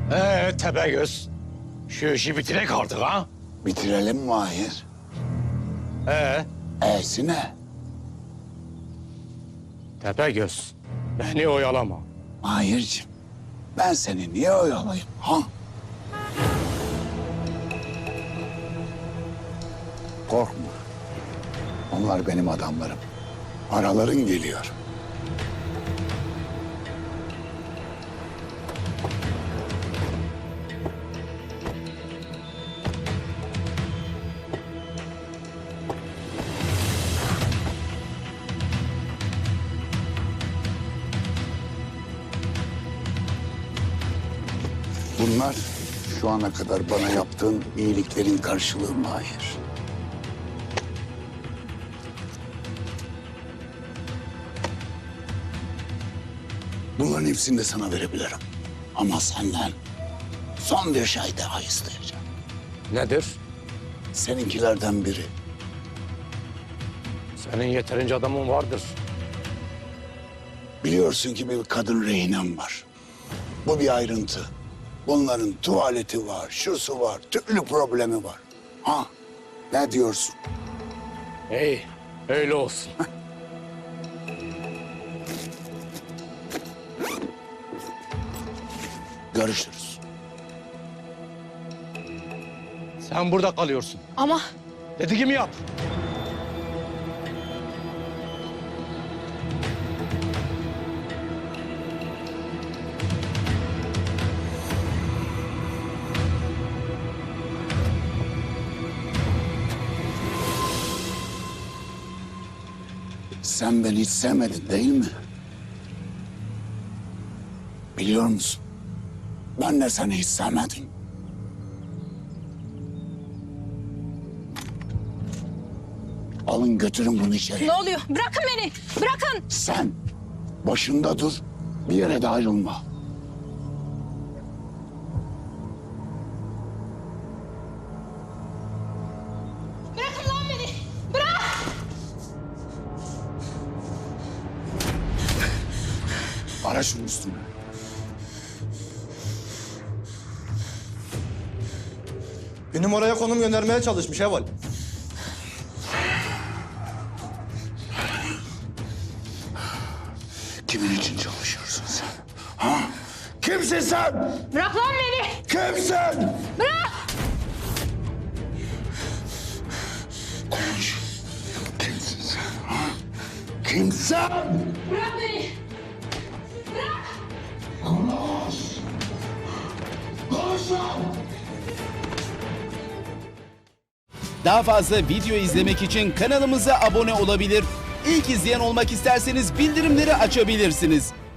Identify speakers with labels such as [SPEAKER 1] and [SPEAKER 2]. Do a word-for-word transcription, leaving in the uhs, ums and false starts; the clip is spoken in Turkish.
[SPEAKER 1] Ee Tepegöz, şu işi bitirek artık ha?
[SPEAKER 2] Bitirelim Mahir.
[SPEAKER 1] Ee
[SPEAKER 2] E'si ne?
[SPEAKER 1] Tepegöz, beni oyalama.
[SPEAKER 2] Mahir'cim, ben seni niye oyalayayım ha? Korkma. Onlar benim adamlarım. Paraların geliyor. Bunlar şu ana kadar bana yaptığın iyiliklerin karşılığı Mahir. Bunların hepsini de sana verebilirim. Ama senden son bir şey daha isteyeceğim.
[SPEAKER 1] Nedir?
[SPEAKER 2] Seninkilerden biri.
[SPEAKER 1] Senin yeterince adamın vardır.
[SPEAKER 2] Biliyorsun ki bir kadın rehinem var. Bu bir ayrıntı. Bunların tuvaleti var, şusu var, türlü problemi var. Ha, ne diyorsun?
[SPEAKER 1] İyi, öyle olsun.
[SPEAKER 2] Görüşürüz.
[SPEAKER 1] Sen burada kalıyorsun.
[SPEAKER 3] Ama
[SPEAKER 1] Dediğimi yap.
[SPEAKER 2] Sen beni hiç sevmedin değil mi? Biliyor musun? Ben de seni hiç sevmedim. Alın götürün bunu içeri.
[SPEAKER 3] ne oluyor? Bırakın beni. Bırakın.
[SPEAKER 2] Sen başında dur, bir yere de ayrılma.
[SPEAKER 3] Bırakın lan beni. Bırak.
[SPEAKER 2] Ara şunun üstüne.
[SPEAKER 4] Bir numaraya konum göndermeye çalışmış Heval.
[SPEAKER 2] Kimin için çalışıyorsun sen? Ha? Kimsin sen?
[SPEAKER 3] Bırak lan beni.
[SPEAKER 2] Kimsin?
[SPEAKER 3] Bırak.
[SPEAKER 2] Konuş. Kimsin sen? Ha? Kimsin?
[SPEAKER 3] Bırak beni.
[SPEAKER 2] Konuş. Konuş lan!
[SPEAKER 5] Daha fazla video izlemek için kanalımıza abone olabilir. İlk izleyen olmak isterseniz bildirimleri açabilirsiniz.